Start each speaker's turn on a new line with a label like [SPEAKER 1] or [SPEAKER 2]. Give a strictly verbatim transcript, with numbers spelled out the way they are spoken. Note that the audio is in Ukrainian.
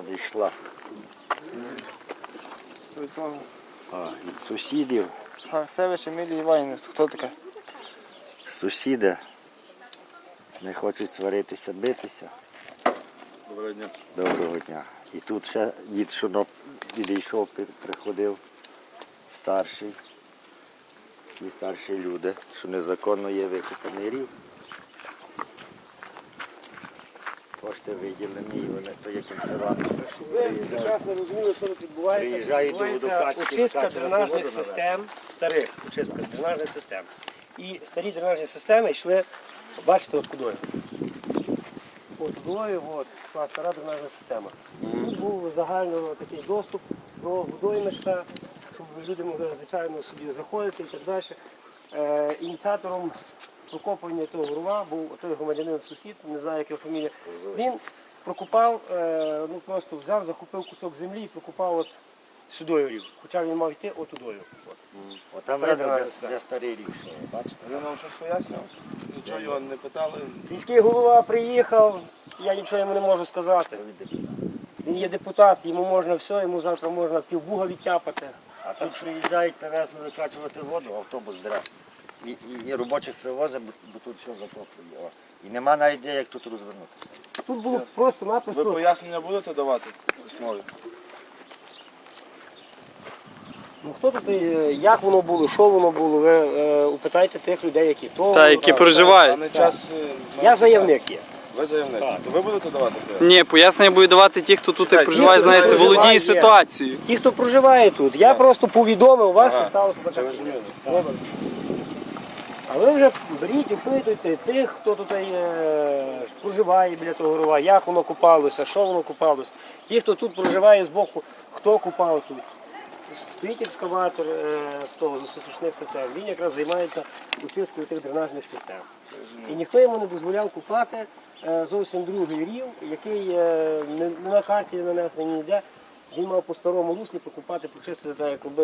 [SPEAKER 1] надійшла. А, від сусідів.
[SPEAKER 2] Севич Емілія Іванівна, хто така?
[SPEAKER 1] Сусіди не хочуть сваритися, битися.
[SPEAKER 3] Доброго дня.
[SPEAKER 1] Доброго дня. І тут ще дід, що відійшов, приходив старший. І старші люди, що незаконно є викопаний рів. Кошти виділені, і вони то є кінцевати.
[SPEAKER 4] Щоб ви прекрасно розуміли, що тут відбувається.
[SPEAKER 1] Приїжджають до
[SPEAKER 4] Відбувається
[SPEAKER 1] водокачки,
[SPEAKER 4] очистка
[SPEAKER 1] водокачки,
[SPEAKER 4] дренажних
[SPEAKER 1] воду
[SPEAKER 4] систем, старих очистка дренажних систем. І старі дренажні системи йшли, бачите, от кудою. От кудою, от, йшла стара дренажна система. Тут був загально такий доступ до водоймища, щоб люди могли, звичайно, собі заходити і так далі. Е, ініціатором прокопування того рва був той громадянин-сусід, не знаю, яка фамілія. Він прокопав, е, ну просто взяв, захопив кусок землі і прокопав от сюдою рів. Хоча він мав йти отудою. От.
[SPEAKER 1] От там
[SPEAKER 4] Стара
[SPEAKER 1] видно,
[SPEAKER 4] дренажна
[SPEAKER 1] де,
[SPEAKER 4] система.
[SPEAKER 1] де старий рів. що, Бачите?
[SPEAKER 3] Ви нам щось пояснював? Нічого його не питали.
[SPEAKER 4] Сільський голова приїхав, я нічого йому не можу сказати. Він є депутат, йому можна все, йому завтра можна півбуга відтяпати.
[SPEAKER 1] А тут приїжджають привезли викачувати воду, автобус дре. І, і, і робочих привозить, бо, бо тут все затоплює. О. І нема навіть де, як тут розвернутися.
[SPEAKER 4] Тут було
[SPEAKER 3] Ви
[SPEAKER 4] просто-напросто.
[SPEAKER 3] пояснення будете давати письмові?
[SPEAKER 4] Ну хто тут, е, як воно було, що воно було, ви е, упитайте тих людей, які то.
[SPEAKER 5] Та, які проживають.
[SPEAKER 3] Даний час... е,
[SPEAKER 4] Я заявник є.
[SPEAKER 3] Ви заявник. То ви будете давати пояснення?
[SPEAKER 5] Ні, пояснення будуть давати ті, хто тут
[SPEAKER 3] Чекайте,
[SPEAKER 5] проживає,
[SPEAKER 4] ті, хто
[SPEAKER 5] знає,
[SPEAKER 4] проживає,
[SPEAKER 5] володіє
[SPEAKER 4] є.
[SPEAKER 5] ситуацією.
[SPEAKER 4] Ті, хто проживає тут, я просто повідомив вас, що
[SPEAKER 3] Ага,
[SPEAKER 4] сталося
[SPEAKER 3] це
[SPEAKER 4] початку.
[SPEAKER 3] важливо.
[SPEAKER 4] Добре. А ви вже беріть, опитуйте тих, хто тут е, проживає біля того рова, як воно купалося, що воно купалося. Ті, хто тут проживає з боку, хто купав тут. Стоїть екскаватор е, з того, з сушних систем, він якраз займається очисткою тих дренажних систем. І ніхто йому не дозволяв купати е, зовсім другий рів, який е, не, не на карті нанесений ніде. Він мав по старому руслі покупати, почистити так, як робив